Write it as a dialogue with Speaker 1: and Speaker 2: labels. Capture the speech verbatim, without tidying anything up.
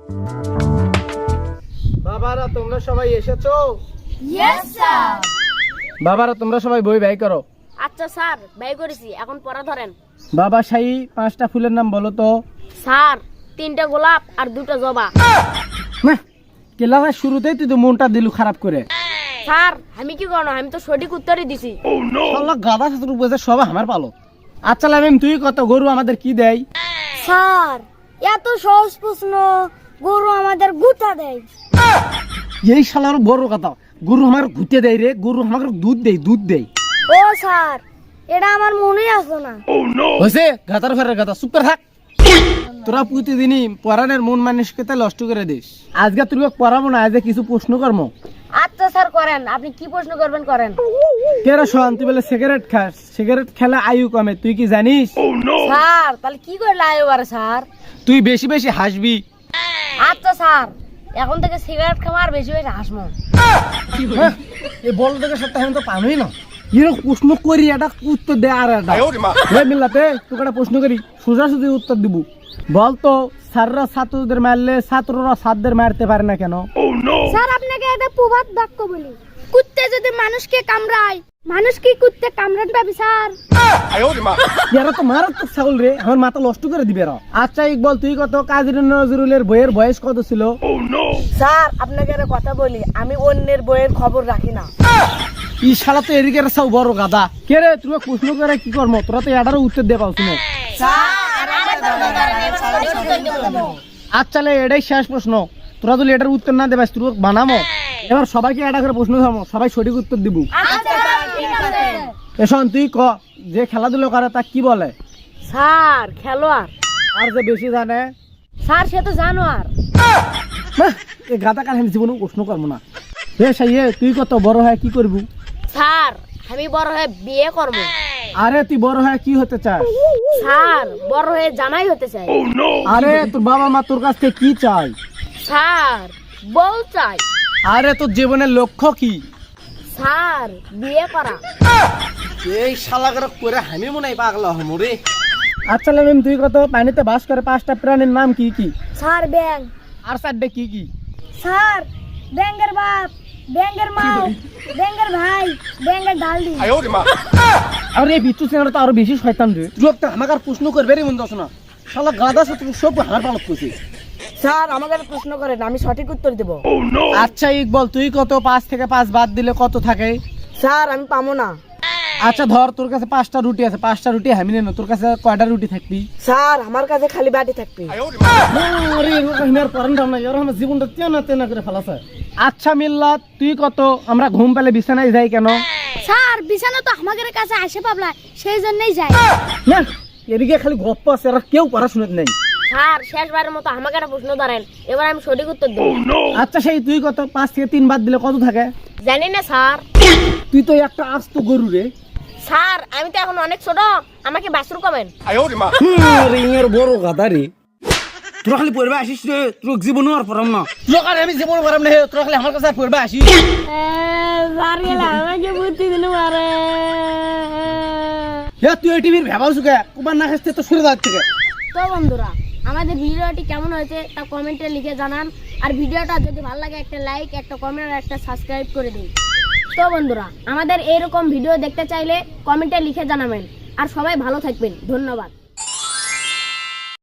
Speaker 1: বাবারা তোমরা সবাই এসেছো?
Speaker 2: Yes sir.
Speaker 1: বাবারা তোমরা সবাই বই ব্যয় করো।
Speaker 2: আচ্ছা স্যার, ব্যয় করেছি, এখন পড়া ধরেন।
Speaker 1: বাবা শাহী পাঁচটা ফুলের নাম বলো তো।
Speaker 2: স্যার, তিনটা গোলাপ আর দুটো জবা।
Speaker 1: না ক্লাসের শুরুতেই তুই তো মনটা দিলু খারাপ করে।
Speaker 2: স্যার, আমি কি করব, আমি তো সঠিক উত্তরই দিছি।
Speaker 1: শালা গাধা ছাত্র বুঝে সব আমার পালো। আচ্ছা লামিম তুই কত গরু আমাদের কি দেয়?
Speaker 2: স্যার, এত সহজ প্রশ্ন, গরু আমাদের গুতা দেয়।
Speaker 1: এই শালার বড় কথা, গরু আমার ঘুরতে দেয় রে, গরু আমাকে দুধ দেয় দুধ দেয়।
Speaker 2: ও স্যার, এটা আমার মনেই আসলো না।
Speaker 1: হয়েছে গাধার ফেরার গাধা, চুপ করে থাক। তোরা প্রতিদিনই পড়ানোর মন মানসিকতা নষ্ট করে দিস। আজকে তুই পড়াবো না, আজকে কিছু প্রশ্ন করবো।
Speaker 2: আচ্ছা স্যার, করেন, আপনি কি প্রশ্ন করবেন করেন।
Speaker 1: কেরা শোন, তুই বলে সিগারেট খাস, সিগারেট খেলে আয়ু কমে, তুই কি জানিস?
Speaker 2: স্যার, তাহলে কি করলে আয়ু বাড়ে স্যার?
Speaker 1: তুই বেশি বেশি হাসবি।
Speaker 2: আচ্ছা স্যার, এখন থেকে সিগারেট খাওয়া আর বেশি বেশি হাসবো।
Speaker 1: হ্যাঁ, এই বল থেকে সপ্তাহে আমি তো পানোই না। এরকম প্রশ্ন করি একটা উত্তর দে আর একটা মিল্লাতে তোকে একটা প্রশ্ন করি, সোজা সুজি উত্তর দিব। বলতো স্যাররা ছাত্রদের মারলে ছাত্ররা ছাত্রদের মারতে পারে না কেন?
Speaker 2: স্যার, আপনাকে একটা প্রবাদ বাক্য বলি, কুত্তে যদি মানুষকে কামড়ায়, মানুষ কি কুত্তে কামড়ান পাবি স্যার?
Speaker 1: এরা তো মারাত্মক ছাগল রে, আমার মাথা নষ্ট করে দিবে এরা। আচ্ছা ইকবল তুই কত, কাজী নজরুলের বইয়ের বয়স কত ছিল?
Speaker 2: স্যার, আপনাকে একটা কথা বলি, আমি অন্যের বইয়ের খবর রাখি না।
Speaker 1: ই শালা তো এদিকে সব বড় গাদা। কে রে তুমি প্রশ্ন করে কি করবো, তোরা তো এটারও উত্তর দিয়ে পাও শুনে। আচ্ছা এটাই শেষ প্রশ্ন, তোরা যদি এটার উত্তর না দেবাস তুই বানামো। এবার সবাইকে এটা করে প্রশ্ন থামো, সবাই সঠিক উত্তর দিব। এসন তুই ক, যে খেলাধুলো করে তা কি বলে?
Speaker 2: স্যার, খেলোয়াড়।
Speaker 1: আর যে বেশি জানে?
Speaker 2: স্যার, সে তো জানোয়ার।
Speaker 1: এই গাদা কাল আমি জীবনে প্রশ্ন করবো না। হে সাইয়ে তুই কত বড় হয় কি করবি?
Speaker 2: স্যার, আমি বড় হয়ে বিয়ে করব।
Speaker 1: আরে তুই বড় হয় কি হতে চাস?
Speaker 2: স্যার, বড় হয়ে জামাই হতে চাই।
Speaker 1: আরে তোর বাবা মা তোর কাছ থেকে কি চাই?
Speaker 2: স্যার, বউ চাই।
Speaker 1: আরে তোর জীবনের লক্ষ্য কি?
Speaker 2: স্যার, বিয়ে করা।
Speaker 1: এই শালাগার করে আমি মনে হয় পাগলা হমু রে। আচ্ছা লামিম তুই কত, পানিতে বাস করে পাঁচটা প্রাণীর নাম কি কি?
Speaker 2: স্যার, ব্যাং।
Speaker 1: আর চারটে কি কি?
Speaker 2: স্যার, ব্যাঙের বাপ, ব্যাঙের মা, ব্যাঙের ভাই, ব্যাঙের ডালদি।
Speaker 1: আর এই বিচ্ছু সিনেমাটা তো আরো বেশি শয়তান রে। তুই তো আমাকে আর প্রশ্ন করবে রে মন দশ না, শালা গাদা সাথে সব হার পালক করছিস।
Speaker 2: স্যার, আমাকে একটা প্রশ্ন করেন, আমি সঠিক উত্তর দেব।
Speaker 1: আচ্ছা ইকবল তুই কত, পাঁচ থেকে পাঁচ বাদ দিলে কত থাকে?
Speaker 2: স্যার, আমি পাবো না।
Speaker 1: আচ্ছা ধর তোর কাছে পাঁচটা রুটি আছে, পাঁচটা রুটি আমি নেন, তোর কাছে কয়টা রুটি থাকবি?
Speaker 2: স্যার, আমার কাছে খালি বাটি থাকবে।
Speaker 1: জীবনটা তেনা তেনা করে ফেলাছে। আচ্ছা মিল্লাত তুই কত, আমরা ঘুম পেলে বিছানায় যাই কেন?
Speaker 2: স্যার, বিছানা তো আমাদের কাছে আসে পাবলা, সেই জন্যই যাই।
Speaker 1: না এদিকে খালি গপ্প আছে, আর কেউ পড়াশোনা নেই।
Speaker 2: স্যার, শেষবারের মতো আমাকে একটা প্রশ্ন ধরেন, এবার আমি সঠিক উত্তর দেব।
Speaker 1: আচ্ছা সেই তুই কত, পাঁচ থেকে তিন বাদ দিলে কত থাকে?
Speaker 2: জানি না স্যার।
Speaker 1: তুই তো একটা আস্ত গরু রে।
Speaker 2: স্যার, আমি তো এখন অনেক ছোট, আমাকে বাছুর কমেন।
Speaker 1: রিংয়ের বড় গাদা রে। তোরা খালি পড়বে আসিস রে, তোর জীবনও আর পড়াম না। তোর কারণে আমি জীবন পড়াম না, তোরা খালি আমার কাছে পড়বে আসিস।
Speaker 2: স্যার গেলা আমাকে বুদ্ধি দিল মারে।
Speaker 1: হে তুই এই টিভির ভেবাও সুকে, কুমার না খাসতে তো সরে যাচ্ছে থেকে।
Speaker 2: তো বন্ধুরা, আমাদের ভিডিওটি কেমন হয়েছে তা কমেন্টে লিখে জানান। আর ভিডিওটা যদি ভালো লাগে একটা লাইক, একটা কমেন্ট আর একটা সাবস্ক্রাইব করে দিন। তো বন্ধুরা, আমাদের এরকম ভিডিও দেখতে চাইলে কমেন্টে লিখে জানাবেন। আর সবাই ভালো থাকবেন, ধন্যবাদ।